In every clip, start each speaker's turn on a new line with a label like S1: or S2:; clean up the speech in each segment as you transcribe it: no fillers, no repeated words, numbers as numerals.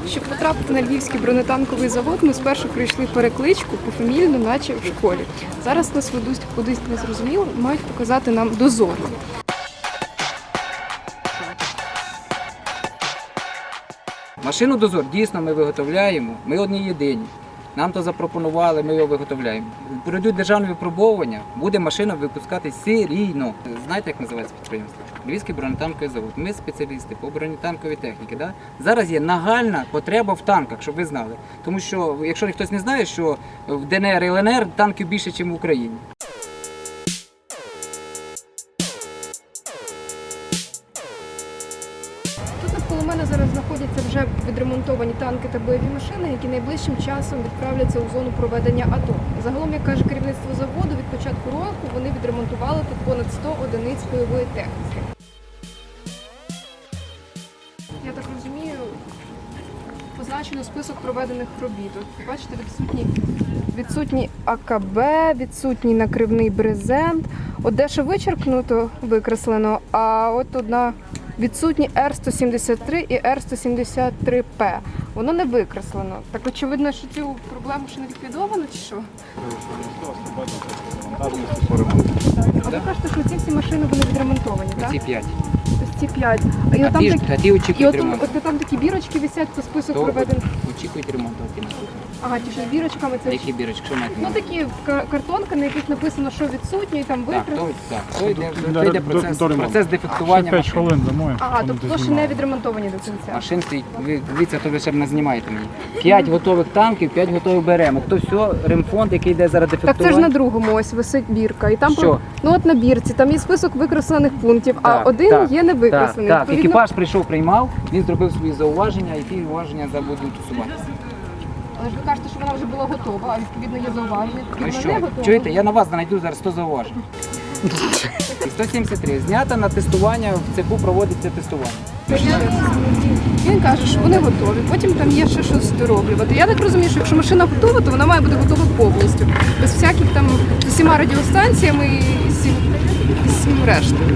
S1: Щоб потрапити на Львівський бронетанковий завод, ми спершу пройшли перекличку пофамільно, наче в школі. Зараз нас ведуть кудись незрозуміло, мають показати нам дозор.
S2: Машину «Дозор» дійсно ми виготовляємо, ми одні єдині. Нам то запропонували, ми його виготовляємо. Пройдуть державне випробовування, буде машина випускатись серійно. Знаєте, як називається підприємство? Львівський бронетанковий завод. Ми спеціалісти по бронетанковій техніці. Да? Зараз є нагальна потреба в танках, щоб ви знали. Тому що, якщо хтось не знає, що в ДНР і ЛНР танків більше, ніж в Україні.
S1: Навколо мене зараз знаходяться вже відремонтовані танки та бойові машини, які найближчим часом відправляться у зону проведення АТО. Загалом, як каже керівництво заводу, від початку року вони відремонтували тут понад 100 одиниць бойової техніки. Я так розумію, позначено список проведених робіт. От, бачите, відсутній АКБ, відсутній накривний брезент. От дещо вичеркнуто, викреслено, а от одна відсутні Р-173 і Р-173П. Воно не викреслено. Так очевидно, що цю проблему ще не ліквідовано, чи що? А ви кажете, що ці всі машини вони відремонтовані, так?
S2: Ці 5.
S1: Ось ці 5.
S2: А ті очікують ремонту.
S1: От там такі бірочки висять по список проведених.
S2: Очікують ремонту.
S1: Ага, ті що з бірочками це.
S2: Які бірочки? Що маєте?
S1: Ну такі картонки, на яких написано, що відсутнє, і там викреслено.
S2: То йде процес дефектування
S3: 5 хвилин домой.
S1: Ага, тобто то ще не відремонтовані до кінця.
S2: машин стоїть. Ви дивіться, то ви ще не знімаєте мені. 5 готових танків, 5 готових беремо. То все, ремфонд, який йде зараз дефектування.
S1: Так це ж на другому ось висить бірка. І там
S2: Що?
S1: ну от на бірці, там є список викреслених пунктів, а
S2: Так,
S1: один
S2: так,
S1: є не викреслений.
S2: Так,
S1: Відповідно,
S2: екіпаж прийшов, приймав, він зробив свої зауваження, і ті зауваження будуть усуватися.
S1: але ж ви кажете, що вона вже була готова, а відповідно є зауваження.
S2: Ну
S1: Вона
S2: що,
S1: не готова.
S2: чуєте, я на вас знайду зараз 100 зауважень. І 173. Знято на тестування, в цеху проводиться тестування.
S1: Він каже, що вони готові, потім там є ще щось дороблювати. Я так розумію, що якщо машина готова, то вона має бути готова повністю. Без всяких там з усіма радіостанціями і всім рештою.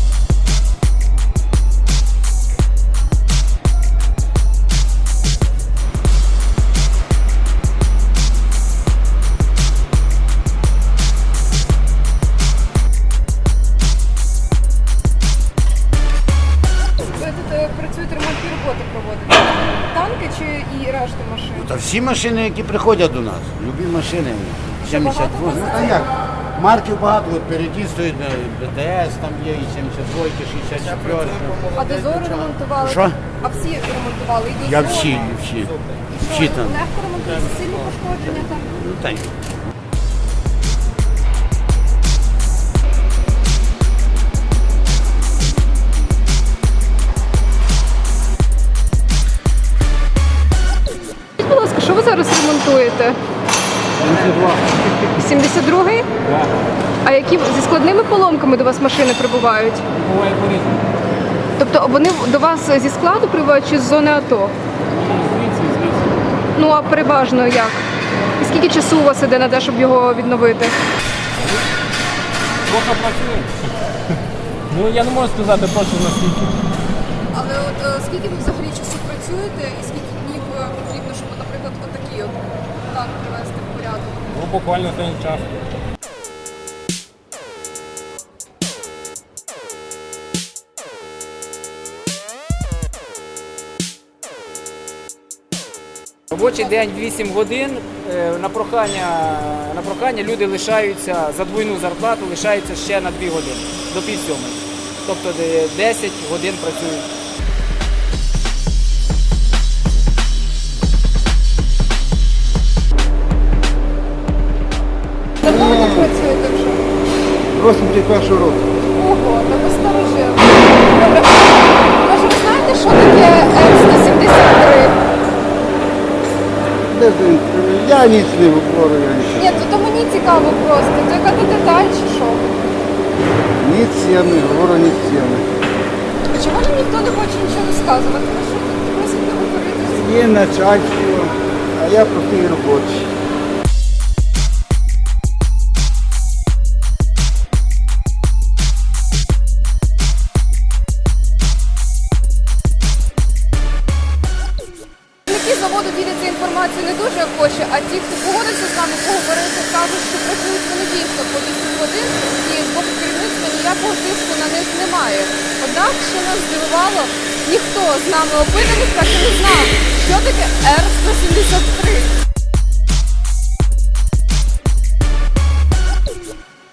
S1: Ви тут працюєте, ремонтні роботи проводите? Танки чи і решту машин?
S4: Та всі машини, які приходять до нас, любі машини. 72.
S1: багато
S4: А як? Марків багато, от переді стоїть БТС, там є і 72, 64.
S1: А дозори ремонтували?
S4: Що?
S1: А всі ремонтували? І
S4: Я
S1: дозори?
S4: всі там.
S1: Легко ремонтується, сильні пошкодження там?
S4: Ну, та й.
S1: Будь ласка, що ви зараз ремонтуєте? 72-й?
S2: Так.
S1: А які зі складними поломками до вас машини прибувають?
S2: Буває по-різному.
S1: Тобто вони до вас зі складу прибувають чи з зони АТО? Ну а переважно як? І скільки часу у вас іде на те, щоб його відновити?
S5: Трохи працює. Ну я не можу сказати точно наскільки.
S1: Але от скільки ви взагалі часу працюєте і скільки днів потрібно, щоб, наприклад, отакий от танк привести в порядок?
S5: Ну буквально день часу.
S2: Робочий день 8 годин. На прохання люди лишаються за двойну зарплату, лишаються ще на 2 години, до півсьомої. Тобто 10 годин працюють.
S1: Давно ви так працюєте вже?
S4: 81 року.
S1: Ого, та ви старожил. Добре. Може, ви знаєте, що таке Р-173?
S4: Я ніч не говорю, я нічого.
S1: Ні, то мені цікаво просто. То яка то деталь чи що?
S4: Ніч я не говорю, ніч я не.
S1: Чому ж ніхто не хоче нічого розказувати? Ну що тут просить не говорити?
S4: Є начальство, а я простий робочий.
S1: Не хоче, а ті, хто погодиться з нами поговорити, кажуть, що працюють вони дійсно по 8 годин і з боку керівництва ніякого тиску на них немає. Однак, що нас здивувало, ніхто з нами опитаних так і не знав, що таке Р-173.